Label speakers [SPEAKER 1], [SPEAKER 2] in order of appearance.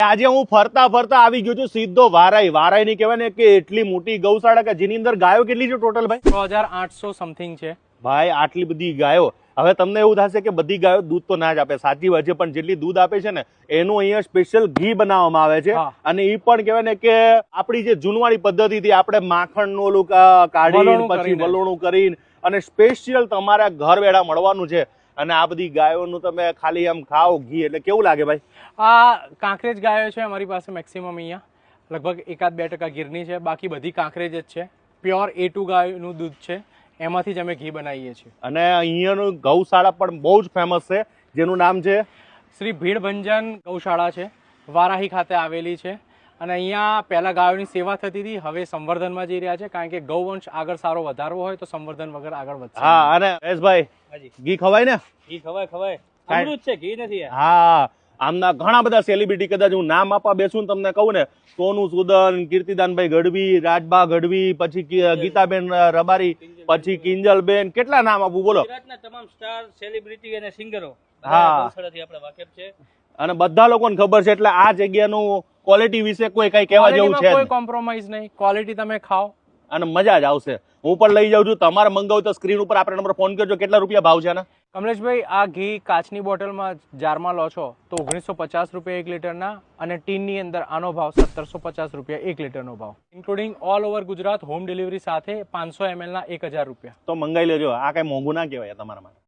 [SPEAKER 1] આજે હું ફરતા ફરતા આવી ગયો છું સીધો વારાઈ. વારાઈ ની કહેવાય ને કે એટલી મોટી ગૌશાળા કે જેની અંદર ગાયો કેટલી છે ટોટલ ભાઈ?
[SPEAKER 2] 6800 સમથિંગ છે
[SPEAKER 1] ભાઈ. આટલી બધી ગાયો. હવે તમને એવું થશે કે બધી ગાયો દૂધ તો ના જ આપે, સાચી વાત છે, પણ જેટલી દૂધ આપે છે ને એનું અહીંયા સ્પેશિયલ ઘી બનાવવામાં આવે છે. અને એ પણ કહેવાય ને કે આપણી જે જૂનવાણી પદ્ધતિથી આપણે માખણનું ઓલું કાઢીને પછી વલોણું કરીને અને સ્પેશિયલ તમારા ઘર વેળા મળવાનું છે. અને આ બધી ગાયોનું તમે ખાલી આમ ખાઓ ઘી એટલે કેવું લાગે ભાઈ?
[SPEAKER 2] આ કાંકરેજ ગાયો છે અમારી પાસે મેક્સિમમ અહીંયા લગભગ 1-2% ગીરની છે, બાકી બધી કાંકરેજ જ છે. પ્યોર A2 ગાયનું દૂધ છે, એમાંથી જ અમે ઘી બનાવીએ છીએ. અને
[SPEAKER 1] અહીંયાનું ગૌશાળા પણ બહુ જ ફેમસ છે જેનું નામ છે
[SPEAKER 2] શ્રી ભીડભંજન ગૌશાળા છે, વારાહી ખાતે આવેલી છે. અને અહીંયા પહેલા ગાયોની સેવા થતી હતી, હવે સંવર્ધનમાં જઈ રહ્યા છે, કારણ કે ગૌવંશ આગળ સારો વધારવો હોય તો સંવર્ધન વગર આગળ વધશે.
[SPEAKER 1] હા. અને મહેશભાઈ ઘી ખવાય ને?
[SPEAKER 2] ઘી ખવાય. અમૃત છે, ઘી નથી.
[SPEAKER 1] હા. આમના ઘણા બધા સેલિબ્રિટી, કદાચ હું નામ આપવા બેસું તમને કહું ને, સોનુ સૂદન, કીર્તિદાનભાઈ ગઢવી, રાજબા ગઢવી, પછી ગીતાબેન રબારી, પછી કિંજલબેન, કેટલા નામ આપું બોલો?
[SPEAKER 3] ગુજરાતના તમામ સ્ટાર સેલિબ્રિટી અને સિંગરો
[SPEAKER 1] ગૌશાળાથી
[SPEAKER 3] આપણે વાકેફ છે
[SPEAKER 1] અને બધા લોકોને ખબર છે. એટલે આ જગ્યાનું ક્વોલિટી વિશે કોઈ કઈ કહેવા જેવું છે?
[SPEAKER 2] કોઈ કોમ્પ્રોમાઇઝ નહીં, ક્વોલિટી તમે ખાઓ
[SPEAKER 1] અને મજા જ આવશે. હું પણ લઈ જાઉં છું. તમારે મંગાવું તો સ્ક્રીન ઉપર આપણે નંબર ફોન કરજો. કેટલા રૂપિયા ભાવ છે આના?
[SPEAKER 2] કમલેશભાઈ, આ ઘી કાચની બોટલમાં જારમાં લો છો તો 1950 રૂપિયા 1 લીટરના, અને ટીનની અંદર આનો ભાવ 1750 રૂપિયા 1 લીટરનો ભાવ, including all over Gujarat home delivery સાથે 500 ml ના 1000 રૂપિયા.
[SPEAKER 1] તો મંગાઈ લેજો. આ કઈ મોંઘું ના કહેવાય તમારા માટે.